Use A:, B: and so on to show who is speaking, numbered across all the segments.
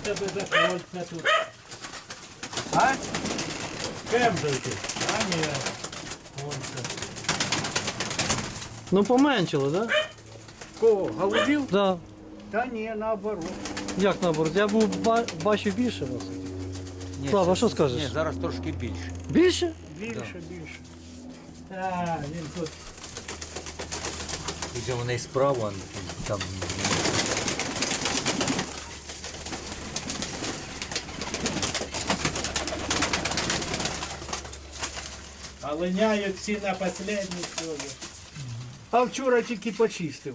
A: тебе за кольця тут? А? Кембрики? А ні. Кольця.
B: Ну поменшило, так? Да?
C: Кого? Голубів?
B: Да.
C: Та ні, наоборот.
B: Як наоборот? Я був бачив більше вас.
D: Ні,
B: Слава,
D: щас-
B: що скажеш?
D: Ні, зараз трошки більше.
B: Більше?
C: Більше, більше.
A: Так, він тут.
D: Хоча вони і справа там.
A: А линяють всі на останній сьогодні.
C: А вчора тільки почистив.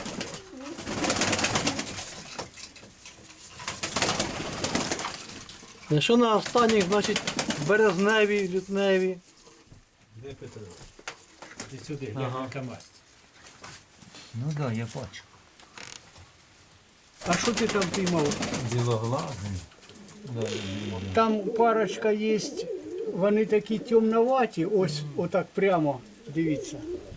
B: Якщо на останніх, значить березневі, лютневі.
A: Де Петро? Ти сюди, ага. На КамАЗ.
D: Ну так, да, я бачу.
C: А що ти там піймав?
D: Білоглазий.
C: Там парочка є, вони такі темноваті, ось отак прямо, дивіться.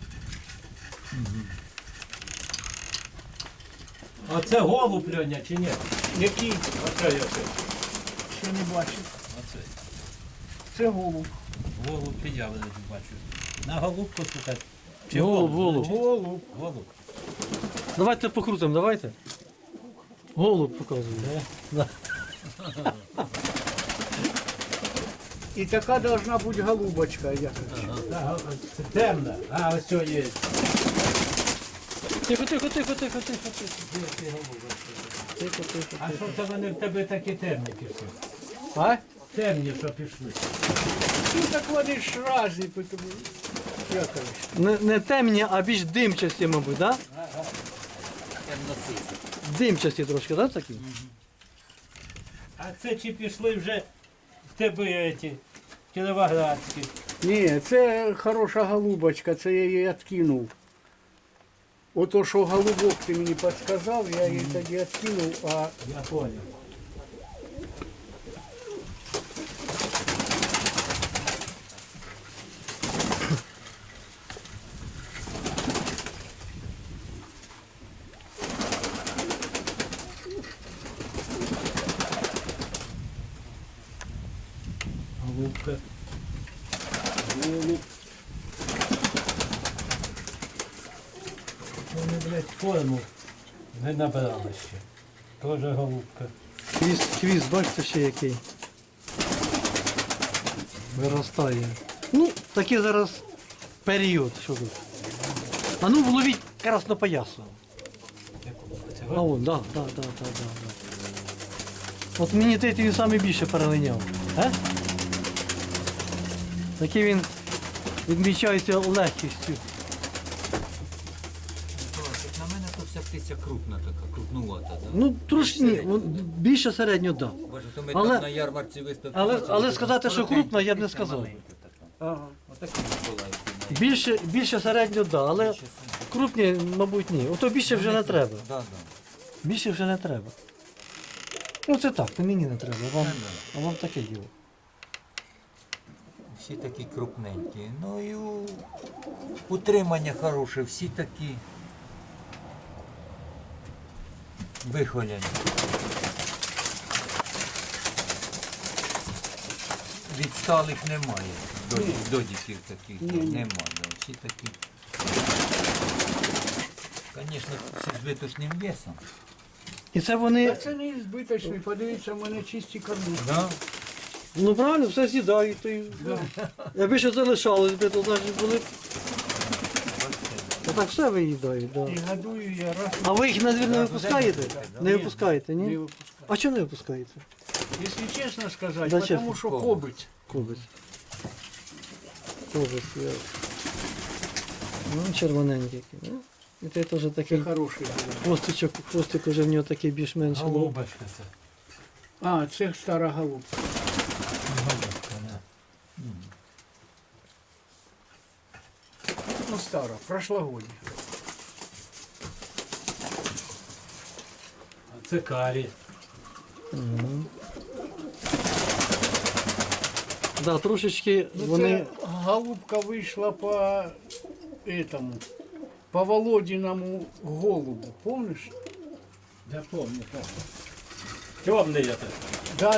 A: А це голуб, Льоня, чи ні?
C: Які?
A: Оце я це.
C: Ще не бачив.
A: Оце.
C: Це голуб.
A: Голуб я не бачу. На голубку слухати. Чи
B: Голуб, голуб.
C: Голуб.
A: Голуб.
B: Давайте покрутимо, давайте. Голуб показує. Да.
C: І така должна бути голубочка, я кажу.
A: Так, це темна. А, ось цього є.
B: Тихо, тихо, тихо, тихо, тихо, тихо. Тихо, тихо,
A: А
B: тихо.
A: що це вони в тебе такі темні пішли?
C: А?
A: Темні, що пішли.
C: Ну так вони ж разні, тому я кажу.
B: Не темні, а більш димчасті, мабуть, так? Да? Димчасті трошки, так, такі?
A: А це чи пішли вже в тебе ці кіровоградські?
C: Ні, це хороша голубочка, це я її відкинув. Ото, що голубок ти мені підказав, я її тоді відкинув, а
A: Я понял. Голубка. Голуб. Вони, блядь, форму не набрали ще. Тоже голубка.
B: Хвіст, бачите, ще який. Виростає. Ну, такий зараз період, що тут. А ну вловіть краснопоясу.
A: Це
B: А вон, да. От мені ти він саме більше перелиняв. Такий він відмічається легкістю.
D: На мене то вся птиця крупна така, крупнувата. Да?
B: Ну, трошки ні, більше середньо, так. Да.
D: Боже, то ми
B: Але-
D: там на ярмарці виставили.
B: Але сказати, що крупна, я б не сказав.
C: ага.
D: Отакі була.
B: Більше середньо, да, але крупні, мабуть, ні. Ото більше вже не треба.
D: Да.
B: Більше вже не треба. Ну це так, то мені не треба, а вам таке діло.
D: Всі такі крупненькі. Ну і утримання хороше, всі такі вихоляні. Відсталих немає. Додіків таких немає. Да. Всі такі. Звісно, всі з виточним весом.
B: І це
C: Та
B: вони,
C: це не збиточний, подивіться, в мене чисті кормушки.
D: Да?
B: ну правильно, все з'їдають. То й... Якби ще залишалось би, то значить були. Так все виїдають, так.
C: І
B: Да.
C: годую я раз.
B: А ви їх на двір не випускаєте? Не випускаєте,
C: Не
B: ні?
C: випускаю.
B: А чого не випускаєте?
C: Якщо чесно сказати,
B: Да,
C: тому
B: чесно.
C: що кобить.
B: Кобець. Кобець, я. Ну, червоненький. Ну, і той теж такий
C: Це хороший.
B: хвостик уже в нього такий більш-менш.
A: Голубочка це.
C: А, це стара голубка.
A: Голубка, да.
C: Ну, стара, прошлогодня.
A: А це карі.
B: Да, трошечки
C: Ну,
B: вони.
C: це голубка вийшла по этому, по Володіному голубу, помниш?
A: Я пам'ятаю, так. Темний это.
C: Да.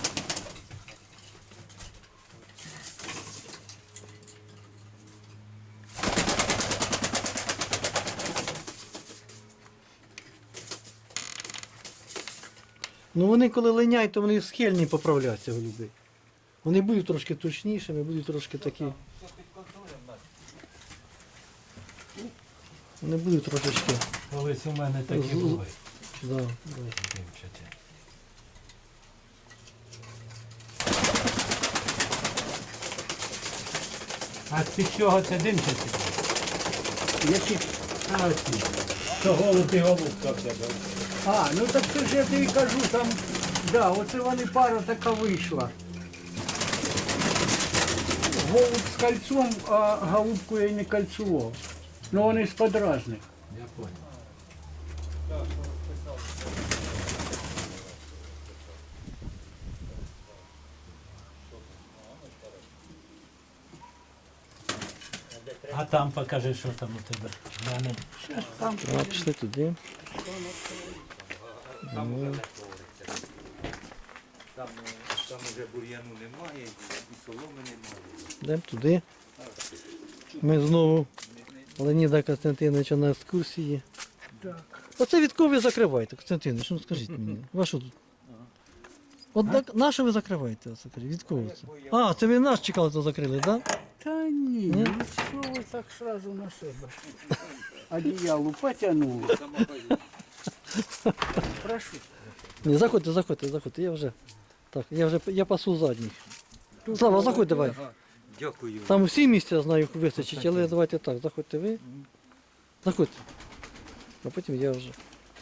B: Ну вони коли линяють, то вони схильні поправляться голуби. Вони будуть трошки точнішими, будуть трошки такі. Вони будуть трошечки.
A: Колись у мене такі
B: З-
A: були.
B: Да.
A: Димчаті. А з чого це димчаті?
C: Які?
A: А ці. То голуб і голубка в тебе.
C: А, ну так це ж я тобі кажу, там, да, оце вони пара така вийшла. Голуб з кольцом, а голубку я й не кольцував. Ну вони з-під разних.
A: Я понял. А там покажи, що там у тебе. Глянем.
B: А, пішли туди.
D: Там уже бур'яну немає, і соломи немає.
B: Йдемо туди. Ми знову Леоніда Костянтиновича на екскурсії.
C: Так.
B: Оце від кого ви закриваєте, Костянтинович, ну скажіть мені. Вашу тут. От на що ви закриваєте? Оце? Від кого це? А, це ви нас чекали, то закрили, так? Да?
C: Та ні, ну що ви так сразу на себе? Одіялу потягнули. Прошу.
B: Ні, заходьте, я вже. Так, я пасу задніх. Слава, заходь давай.
D: Дякую.
B: Там всі місця, знаю, вистачить, але давайте так, заходьте ви. Заходьте. А потім я вже.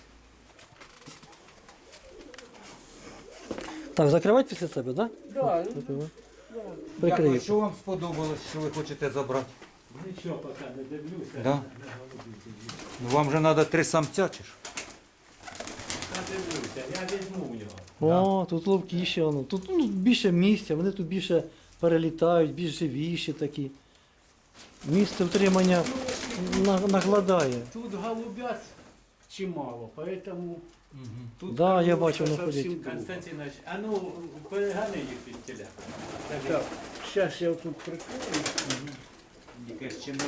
B: Так, закривати після себе, так?
C: Да,
B: Закривай.
D: Дякую.
B: Прикрию.
D: Що вам сподобалось, що ви хочете забрати?
A: Нічого поки не дивлюся.
D: Да? Ну, вам же треба 3 самця чи ж?
A: Не дивлюся, я візьму у нього.
B: О, тут ловкіше воно. Тут ну, більше місця, вони тут більше перелітають, більш живіші такі. Місце втримання нагладає.
C: тут голубят чимало, поэтому тут
B: Да, я
C: кормушка
B: бачу, воно
C: совсем
B: ходить.
C: друга.
A: Константинович, а ну перегани їх від тіля.
C: Так, сейчас я тут прикрою.
D: Якесь чому?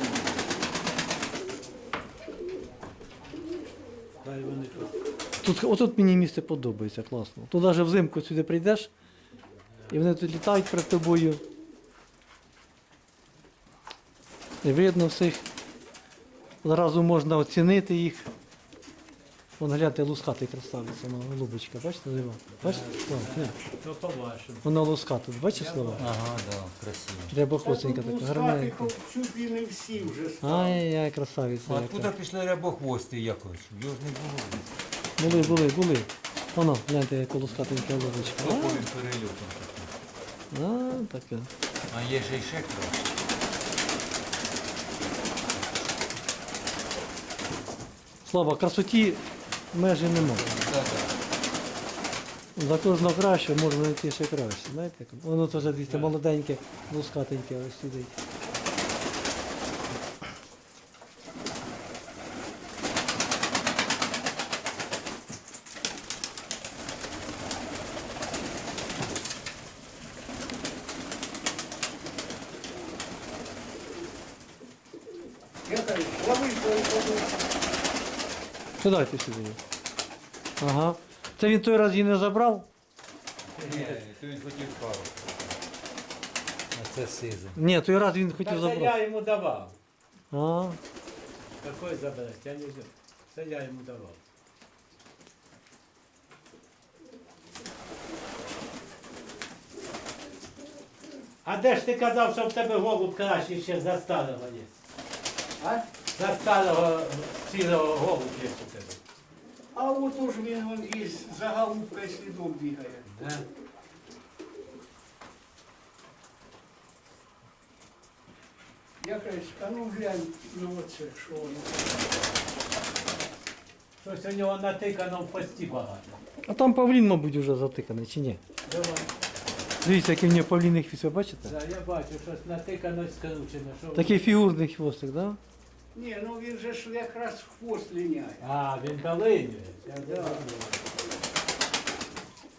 A: Хай вони тут.
B: Тут, отут мені місце подобається, класно. Тут навіть взимку сюди прийдеш, і вони тут літають перед тобою. І видно всіх. Одразу можна оцінити їх. Вон гляньте, лускатий красавиця, вона голубочка, бачите, жива? Бачите? Слава, ні.
A: То по-вашому.
B: Вона луската, бачиш слова?
D: Ага, да, красиво.
B: Рябохвостенька
C: Та тут
B: така, гарненька.
C: лускатих чуть ли не всі вже стали.
B: Ай-яй, красавиця.
D: А
B: яка.
D: откуда пішли рябохвости якось? Його ж не було.
B: Були. Воно, гляньте, яка лускатенька голубочка.
D: Топовим перельотом.
B: А, така.
D: А є ще й ще краще.
B: Слава, красоті межі немає. За кожного краще можна знайти ще краще. Знаєте, як? Воно теж дивіться, молоденьке, лускатеньке ось сидить.
C: Я кажу, лови свою подушку.
B: Сідайте сюди. Ага. Це він той раз її не забрав?
D: Ні, то він хотів пару. А це сиза.
B: Ні, той раз він
A: Та
B: хотів
A: це я
B: забрати.
A: йому давав.
B: А,
A: Какой забрати? Я не взяв. Це я йому давав. А де ж ти казав, що в тебе голуб краще ще за старого є?
C: А?
A: За старого цілого голуб є у тебе.
C: А от уж він вон із за голубкою слідом бігає.
A: Да?
C: Я кажу, а ну глянь, ну оце, що воно.
A: Щось у нього натикано в хвості багато.
B: а там павлін, мабуть, вже затиканий, чи ні?
A: Давай.
B: Дивіться, який в нього павлінний хвіст, ви бачите?
A: Да, я бачу, щось натикано і скручено. Що
B: Такий фігурний хвостик, так? Да?
C: Ні, ну він же ж якраз в хвост ліняє.
A: А, він долинює. Я
C: Да.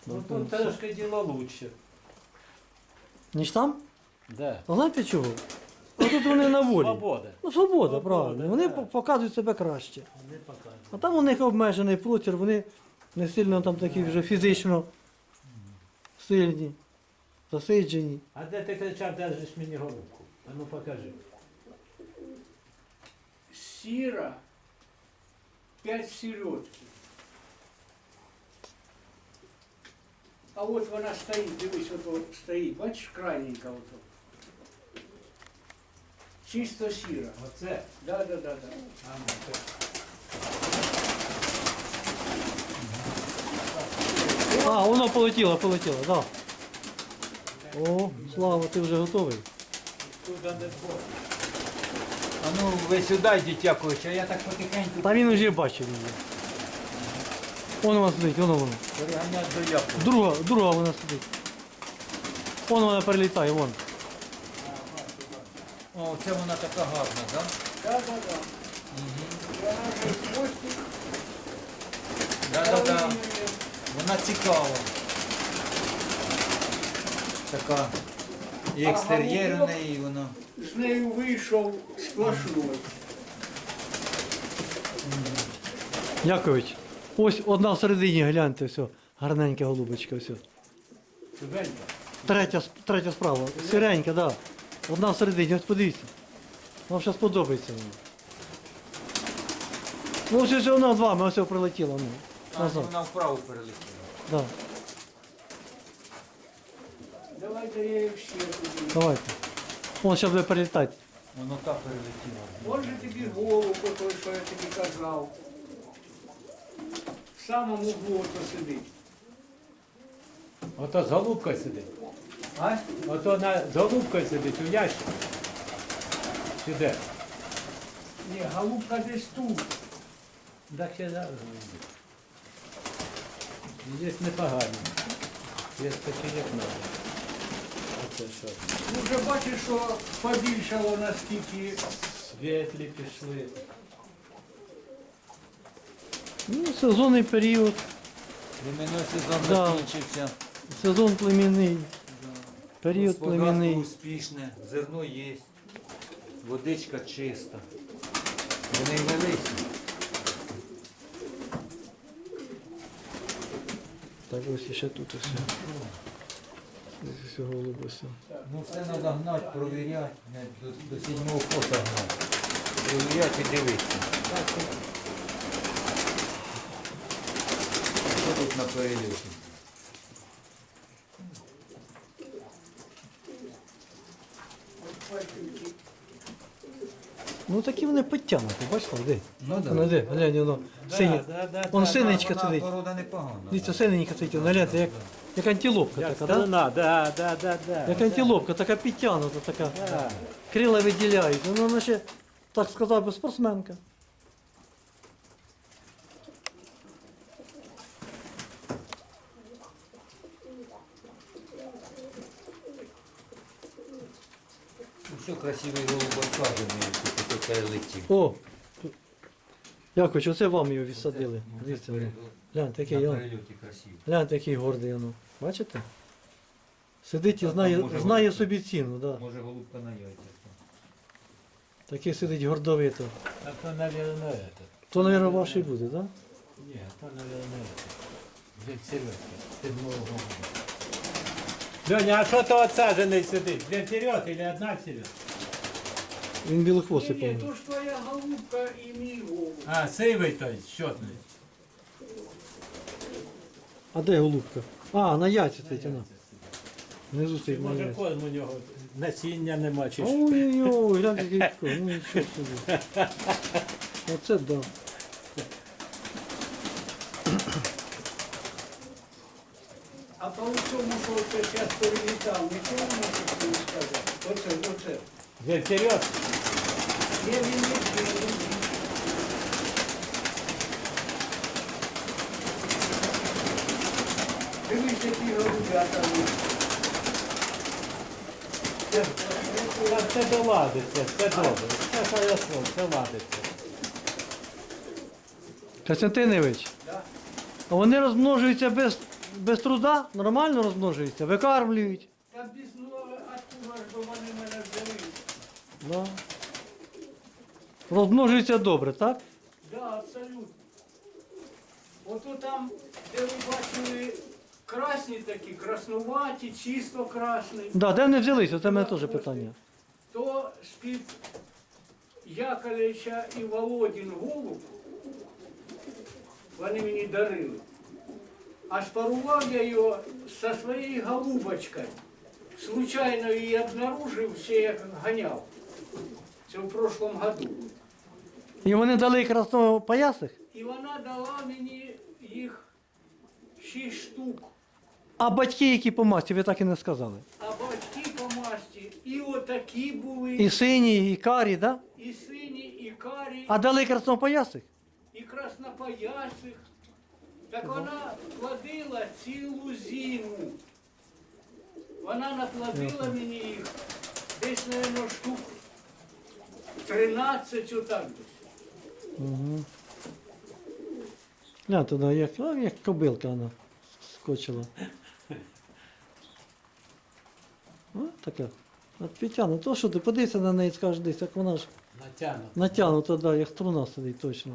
A: Ну тут трошки діло лучше.
B: Ніж там?
A: Да.
B: А знаєте чого? А тут вони на волі.
A: Свобода.
B: Ну, свобода,
A: Свобода,
B: правильно. Вони
A: да.
B: показують себе краще.
A: Не показує.
B: А там у них обмежений простір, вони не сильно там такі вже фізично сильні, засиджені.
A: А де ти кричав, держиш мені голубку? А ну покажи.
C: Сіра, 5 сільотки. А от вона стоїть, дивись, от стоїть, бачиш, крайненька ото. Чисто сіра.
A: Оце.
C: Да.
A: А, ну, це.
B: А, воно полетіло, так. Да. О, Слава, ти вже готовий.
A: Туди не згоден.
D: А ну ви сюди йдіть, Якович, а я так потихеньку
B: Та він вже бачив її. Вона сидить, воно.
D: переганяю до Якова.
B: Друга вона сидить. Вона перелітає, вон.
D: О, це вона така гарна, так?
C: Да. Вона вже хвостик.
D: Да. Вона цікава. Така. І екстер'єр у неї, воно.
C: З нею вийшов сплошной.
B: Якович, ось одна всередині, гляньте, все. Гарненька голубочка, все.
A: Чубенька.
B: Третя справа. Сиренька, так. Да. Одна всередині, ось подивіться. Вам зараз подобається вона. Ну, ось вона з вами, ось прилетіла. Ну,
D: А,
B: назад.
D: вона вправо перелетіла.
B: Да.
C: Давайте я її ще туди.
B: Давайте. Вон зараз буде перелітати.
D: Воно так перелетіло.
C: Може тобі голуб, той, що я тобі казав. В самому углу ото сидить.
A: Ото з голубкою сидить.
C: А?
A: Ото з голубкою сидить у ящику. Сюди.
C: Ні, голубка десь тут.
A: Так ще зараз. Є непогані. Є такі, як надо. Оце що?
C: Ну вже бачиш, що побільшало наскільки.
A: Світлі пішли.
B: Ну, сезонний період,
D: Племінний сезон
B: Да.
D: закінчився.
B: сезон племінний, період
D: Господарство
B: племінний.
D: успішне, зерно є, водичка чиста. Вони великі.
B: Так, ось ще тут ось. Ось ось голуб ось.
D: Ну все треба гнати, провіряти, не до 7-го фото гнати. Провіряти і дивитися. Що тут на перельоті?
B: Ну такі вони підтягнуті, бачите, де?
D: Ну
B: Воно де, глянь, воно сині. Вон синенька
D: Вона
B: сидить.
D: порода непогана.
B: Дивіться, синенька сидить, воно, гляньте, як антилопка
A: Як
B: така, да?
A: струна, да.
B: Як антилопка, така підтягнута, така.
A: Да.
B: Крила виділяють. Воно наче, так сказав би, спортсменка.
D: Ну, все красивий голуб осаджений, тут перелетів.
B: О! Якович, оце вам його відсадили.
D: Ну, це
B: Дивіться,
D: перед-
B: гляньте, який,
D: на
B: он.
D: перельоті красивий.
B: Гляньте, який гордий воно. Бачите? Сидить і
D: Та
B: знає,
D: там може
B: знає
D: бути.
B: собі ціну, да.
D: Може голубка на яйцях.
B: Такий сидить гордовито.
A: А то, наверное, это.
B: То, мабуть, ваш і буде, так? Да?
A: Ні, то, наверное, это. Дядь Сережка, ти мого голуба. Льоня, а що то отсаджений сидить? Дві вперед или одна вперед?
B: Він білохвостий,
C: Ні,
B: по-моєму.
C: то ж твоя голубка і мій голуб.
A: А, сивий той, щотний.
B: А де голубка? А, на яйці стоїть вона. Внизу
A: Чи
B: стоїть на
A: може
B: яйці.
A: корм у нього насіння нема, чи що?
B: Ой-ой-ой, гляньте, який кот. Ну нічого собі. Оце да.
C: А по цьому, що ти зараз перелітав, нічого не можеш мені сказати. Оце.
A: Дві вперед.
C: Є він не. Дивись, які голубята.
A: Це доладиться, це добре. Це хорошо, це ладиться.
B: Костянтинович,
C: Да.
B: а вони розмножуються без труда нормально розмножуються, викармлюють.
C: Та без нового, откуда ж би вони мене взяли?
B: Да. Розмножуються добре, так?
C: Да, абсолютно. Ото там, де ви бачили, красні такі, краснуваті, чисто красні,
B: Да, де вони взялися? Це в мене теж питання.
C: то з-під Яковлевича і Володін голуб вони мені дарили. А спарував я його зі своєю голубочкою. Случайно її обнаружив, ще як ганяв. Це в прошлом году.
B: І вони дали краснопоясих?
C: І вона дала мені їх 6 штук.
B: А батьки, які по масті, ви так і не сказали.
C: А батьки по масті і отакі були,
B: І сині, і карі, да?
C: і сині, і карі,
B: А дали краснопоясих?
C: і краснопоясих. Так вона плодила цілу зиму. Вона наплодила мені їх десь, мабуть, штук 13 отак десь.
B: Угу. Глянь туди, як кобилка вона скочила. О, така. От підтягну. То що ти подивися на неї і скажеш десь, як вона ж
A: Натягнуто.
B: натягнута, да, як струна сидить точно.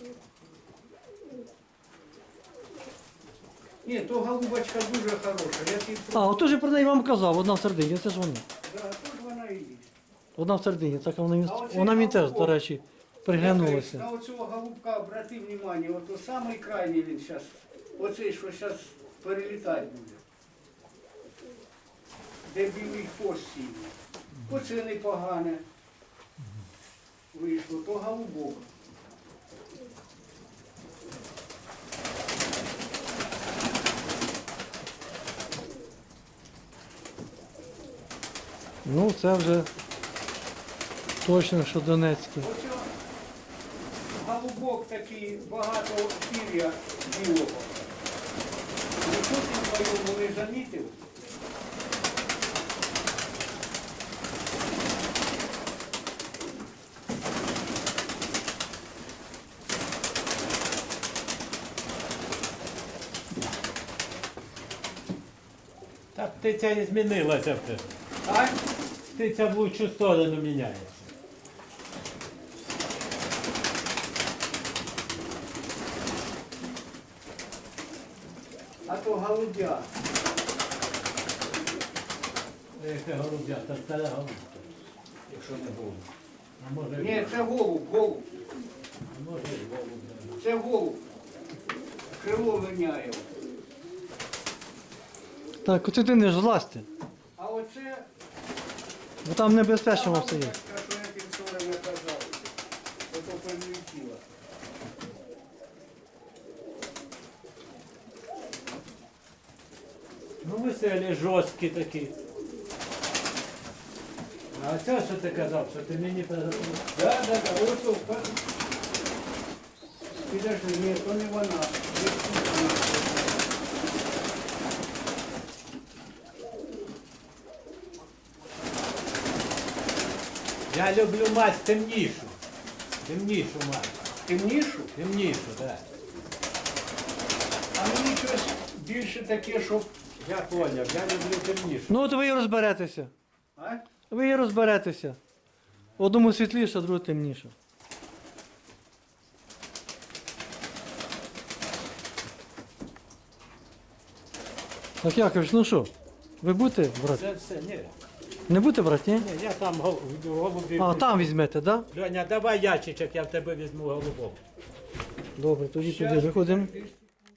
C: Ні, то голубочка дуже хороша. Я тобі
B: А, ото ж про неї вам казав, одна в середині, це ж вона.
C: Да, то ж вона і є.
B: Одна в середині, так вона,
C: А оце
B: вона мені теж, до
C: голубок.
B: речі, приглянулася.
C: На оцього голубка обрати внимание, ото самий крайній він зараз, оцей, що зараз перелітати буде. Де білий хвост сіє. Оце непогане вийшло, то голубок.
B: Ну, це вже точно, що Донецький.
C: Оце голубок такий, багато пір'я білого. Ніхто ти твоєму не замітив?
A: Та птиця і змінилася вже.
C: Так?
A: Птиця в лучшу сторону міняється.
C: А то голубя.
A: Яке голуб'я, та стара голубка. Якщо не голуб. А може
C: Ні, це голуб, голуб.
A: а може і голуб. Да.
C: Це голуб. Крило виняє.
B: Так, оце ти не ж злазьте,
C: А оце
B: бо там небезпечно
C: та
B: все є.
C: голубочка, що я тим вчора не казав. Ото прилетіла.
A: Ну веселі, жорсткі такі. А це що ти казав, що ти мені переробив?
C: Да. Ото. Підожди, ні, то не вона. Не вона.
A: Я люблю мать темнішу. Темнішу мать.
C: Темнішу?
A: Темнішу, так. Да.
C: А мені щось більше таке, щоб...
A: Я поняв, я люблю темнішу.
B: Ну от ви і розберетеся.
C: А?
B: Ви і розберетеся. Одному світліше, а другому темніше. Так, Якович, ну що? Ви будете брати?
A: Це все, ні.
B: Не будете брати, ні?
A: Ні, я там голубів.
B: А, там візьмете, так? Да?
A: Льоня, давай ящичок, я в тебе візьму голубок.
B: Добре, тоді туди
C: Щас,
B: виходимо.
C: підожди.